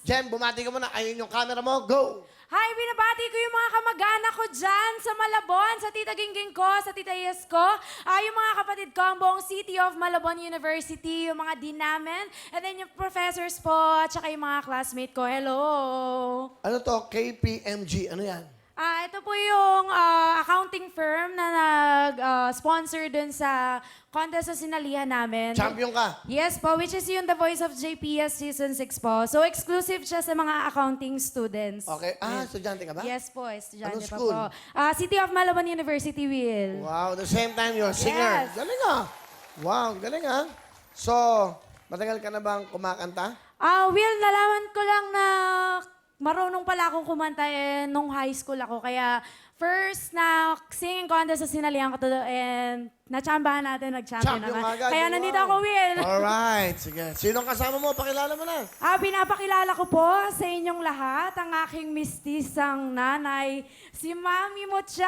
Jem, bumati ka muna. Ayun yung camera mo. Go! Hi, binabati ko yung mga kamag-anak ko dyan sa Malabon, sa tita Gingging ko, sa tita Yes ko, yung mga kapatid ko, ang buong City of Malabon University, yung mga dean namin, and then yung professors po, at saka yung mga classmate ko. Hello! Ano to? KPMG. Ano yan? Ito po yung accounting firm na nag-sponsor dun sa contest sa sinalihan namin. Champion ka. Yes po, which is yung The Voice of JPS Season 6 po. So, exclusive siya sa mga accounting students. Okay. Estudyante ka ba? Yes po, estudyante Anong pa school? po. City of Malabon University, Will. Wow, the same time you're a singer. Yes. Galing ah. Wow, galing ah. So, matagal ka na bang kumakanta? Will, nalaman ko lang na marunong pala akong kumanta nung high school ako. Kaya first na singing contest sa sinalihan ko to and natsambahan natin, nag-champion Champion naman. agad. Kaya Wow. nandito ako, Will. Alright, sige. Sinong kasama mo? Pakilala mo na. Pinapakilala ko po sa inyong lahat ang aking mistisang nanay, si Mami Mocha.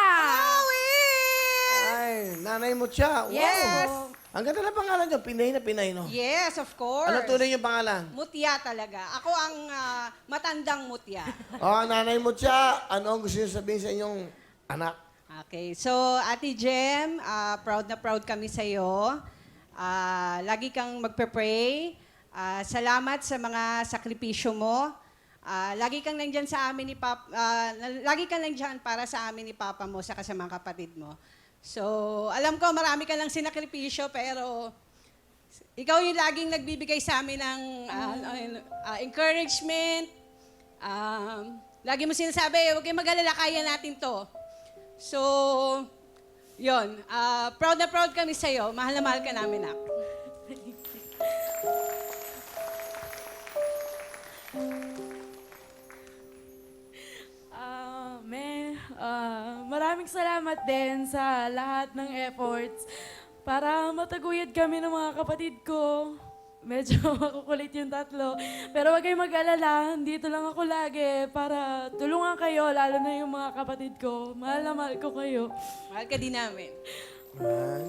Ay, nanay mo siya. Wow. Yes. Ang ganda na pangalan niyo. Pinay na Pinay, no? Yes, of course. Ano tunay yung pangalan? Mutya talaga. Ako ang matandang mutya. Oh, nanay mo siya. Ano ang gusto niyo sabihin sa inyong anak? Okay, so Ate Jem, proud na proud kami sa iyo. Lagi kang magpe-pray. Salamat sa mga sakripisyo mo. Lagi kang nandiyan sa amin ni Papa, lagi kang nandiyan para sa amin ni Papa mo sa mga kapatid mo. So, alam ko marami ka lang sinakripisyo pero ikaw yung laging nagbibigay sa amin ng encouragement. Lagi mo sinasabi, huwag kayong mag-alala, kaya natin to. So, yun. Proud na proud kami sa'yo. Mahal na mahal ka namin, Nak. Maraming salamat din sa lahat ng efforts para mataguyod kami ng mga kapatid ko. Medyo makukulit yung tatlo. Pero wag kayong mag-alala, dito lang ako lagi para tulungan kayo, lalo na yung mga kapatid ko. Mahal na mahal ko kayo. Mahal ka din namin. Ay.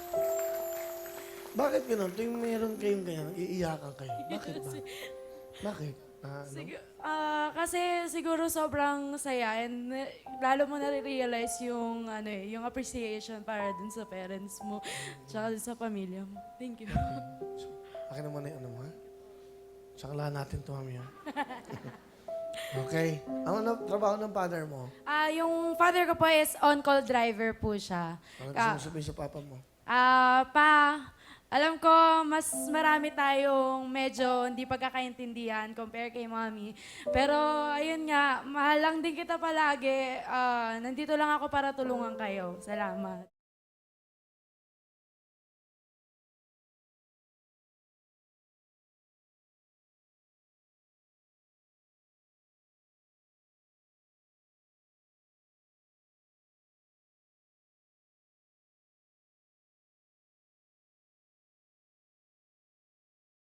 Bakit gano'n? Tuwing meron kayong ganyan, iiyakan kayo. Bakit ba? Bakit? Ano? Kasi siguro sobrang saya and lalo mo nare-realize yung yung appreciation para dun sa parents mo tsaka dun sa pamilya mo. Thank you. Akin naman yung ano mo, ha? Tsaka lahat natin to, mami, ha? Okay. Ano trabaho ng father mo? Yung father ko po is on-call driver po siya. Ano gusto mo sabihin sa papa mo? Alam ko, mas marami tayong medyo hindi pagkakaintindihan compare kay mommy. Pero, ayun nga, mahal lang din kita palagi. Nandito lang ako para tulungan kayo. Salamat.